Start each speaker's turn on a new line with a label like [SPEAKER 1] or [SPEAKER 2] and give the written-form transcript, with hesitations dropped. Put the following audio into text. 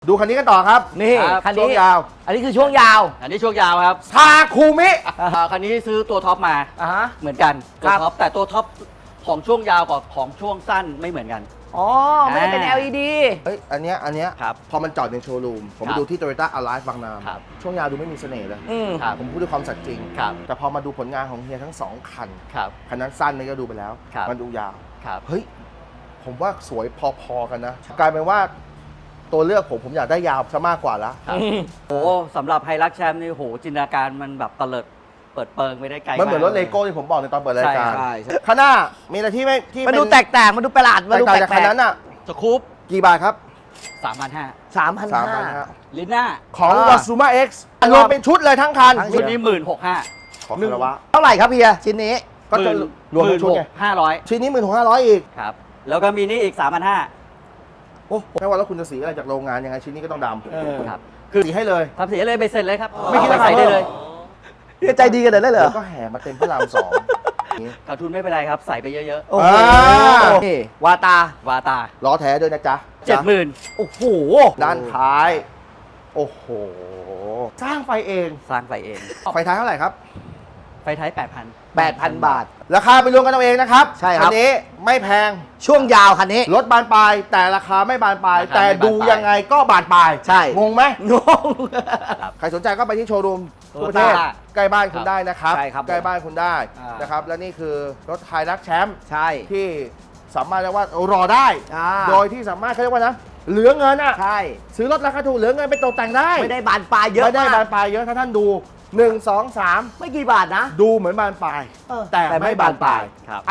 [SPEAKER 1] ดูคันนี้กันต่อครับ
[SPEAKER 2] นี่
[SPEAKER 1] ครับ
[SPEAKER 2] คัน
[SPEAKER 1] ช่
[SPEAKER 2] นี้
[SPEAKER 1] วงยาว
[SPEAKER 2] อันนี้คือช่วงยาว
[SPEAKER 3] อันนี้ช่วงยาวครับ
[SPEAKER 1] ทาคูมิ
[SPEAKER 3] คันนี้ซื้อตัวท็อปมา
[SPEAKER 2] อ่าฮะ
[SPEAKER 3] เหมือนกันตั
[SPEAKER 2] คว รับ
[SPEAKER 3] ท็อปแต่ตัวท็อปของช่วงยาวกับของช่วงสั้นไม่เหมือนกัน
[SPEAKER 2] อ๋อ ไม่ได้เป็น
[SPEAKER 3] อ่า
[SPEAKER 2] LED
[SPEAKER 1] เฮ้ยอันเนี้ย
[SPEAKER 3] ครับ
[SPEAKER 1] พอมันจอดในโชว์รูม ผม
[SPEAKER 3] ครั
[SPEAKER 1] ไป
[SPEAKER 3] บ
[SPEAKER 1] ดูที่ Toyota Alive บางนา
[SPEAKER 3] ครับ
[SPEAKER 1] ช่วงยาวดูไม่มีเสน่ห์เลย
[SPEAKER 2] อืม
[SPEAKER 3] ครับ
[SPEAKER 1] ผมพูดด้วยความสัตย์จริง
[SPEAKER 3] ครับ
[SPEAKER 1] แต่พอมาดูผลงานของเฮียทั้งสองคัน
[SPEAKER 3] ครับ
[SPEAKER 1] คันนั้นสั้นนี่ก็ดูไปแล้ว
[SPEAKER 3] ครับ
[SPEAKER 1] มันดูยาว
[SPEAKER 3] ครับ
[SPEAKER 1] เฮ้ย ผมว่าสวยพอๆกันนะ กลายเป็นว่าตัวเลือกผมอยากได้ยาวซะมากกว่าละ
[SPEAKER 3] ครับโอ้สำหรับไฮรักแชมป์นี่โหจินตนาการมันแบบเตลิดเปิดเปิงไปได้ไกล
[SPEAKER 1] มันเหมือนรถ
[SPEAKER 3] าก
[SPEAKER 1] เลโก้ที่ผมบอกในตอนเปิดรายการ
[SPEAKER 3] ใช่
[SPEAKER 1] ข้างหน้ามีอะไรที่ไม่ที่
[SPEAKER 2] มันดู
[SPEAKER 1] เป็
[SPEAKER 2] แตกๆมันดูประหลาด มันดู
[SPEAKER 1] แตก
[SPEAKER 2] แป
[SPEAKER 1] ต่างจากคัน
[SPEAKER 2] ลก
[SPEAKER 1] นั้นอ่ะ
[SPEAKER 3] สกู๊ป
[SPEAKER 1] กี่บาทครับ
[SPEAKER 3] 3,500
[SPEAKER 2] 3,500
[SPEAKER 3] ลิน่า
[SPEAKER 1] ของ
[SPEAKER 2] อ่า
[SPEAKER 1] วาซูมาเอ็กซ์รวมเป็นชุดเลยทั้งคัน
[SPEAKER 2] ทั้ง
[SPEAKER 3] ชุดนี้16,500
[SPEAKER 1] ขอคารวะ
[SPEAKER 2] เท่าไหร่ครับเฮียชิ้นนี้
[SPEAKER 1] ก็จะรวมเป็นชุดไง
[SPEAKER 3] 16,500
[SPEAKER 1] ชิ้นนี้16,500อีก
[SPEAKER 3] ครับแล้วก็มีนี่อีก 3,500
[SPEAKER 1] โอ้ไม่ว่าแล้วคุณจะสีอะไรจากโรงงานยังไงชิ้นนี้ก็ต้องด
[SPEAKER 3] ครับ
[SPEAKER 1] ำคือสีให้เลย
[SPEAKER 3] ทำเสียเลยไปเสร็จเลยครับ
[SPEAKER 1] ไม่คิด
[SPEAKER 3] เอา
[SPEAKER 1] รา
[SPEAKER 3] ไป
[SPEAKER 1] คา
[SPEAKER 3] ใส่ได้เลย
[SPEAKER 2] เฮียใจดีกันเลยเหรอ
[SPEAKER 1] แล้วก็แห่มาเต็มพระรามสองอย่างนี้
[SPEAKER 3] ขาดทุนไม่เป็นไรครับ ใส่ไปเยอะ
[SPEAKER 2] โอ้โห นี่วาตา
[SPEAKER 3] ๆ วาตา
[SPEAKER 1] ล้อแท้ด้วยนะจ๊ะ
[SPEAKER 3] 70,000
[SPEAKER 2] โอ้โห
[SPEAKER 1] ด้านท้าย โอ้โห สร้างไฟเอง
[SPEAKER 3] สร้างไฟเอง
[SPEAKER 1] ไฟท้ายเท่าไหร่ครับ
[SPEAKER 3] ไฟท้าย
[SPEAKER 2] 8,000 บาท
[SPEAKER 1] ราคาไปรวมกันเอาเองนะครับ
[SPEAKER 2] ใช่ครับ
[SPEAKER 1] นนี้ไม่แพง
[SPEAKER 2] ช่วงยาวคันนี้
[SPEAKER 1] รถบานปลาย แต่ราคาไม่บานปลาย แต่ดูยังไงก็บานปลาย
[SPEAKER 2] ใช่
[SPEAKER 1] งงไหม
[SPEAKER 2] งง
[SPEAKER 1] ใครสนใจก็ไปที่โชว์รูมทั่วประเทศ
[SPEAKER 3] Toyota
[SPEAKER 1] ใกล้บ้านคุณได้นะครับ
[SPEAKER 2] ใช่ครับ
[SPEAKER 1] ใกล้บ้านคุณได้
[SPEAKER 2] อ่าน
[SPEAKER 1] นะครับ และนี่คือรถไฮรักแชมป์
[SPEAKER 2] ใช่
[SPEAKER 1] ที่สามารถเรียกว่ารอได้
[SPEAKER 2] อ่า
[SPEAKER 1] โดยที่สามารถเขาเรียกว่านะ เหลือเงินอ่ะ
[SPEAKER 2] ใช่
[SPEAKER 1] ซื้อรถราคาถูกเหลือเงินไปตกแต่งได้
[SPEAKER 2] ไม่ได้บานปลายเยอะ
[SPEAKER 1] ไม่ได้
[SPEAKER 2] มาก
[SPEAKER 1] บานปลายเยอะถ้าท่านดู 1 2 3
[SPEAKER 2] ไม่กี่บาทนะ
[SPEAKER 1] ดูเหมือนบานปลาย
[SPEAKER 2] เออ
[SPEAKER 1] แต่ไม่บานปลาย
[SPEAKER 3] ครับ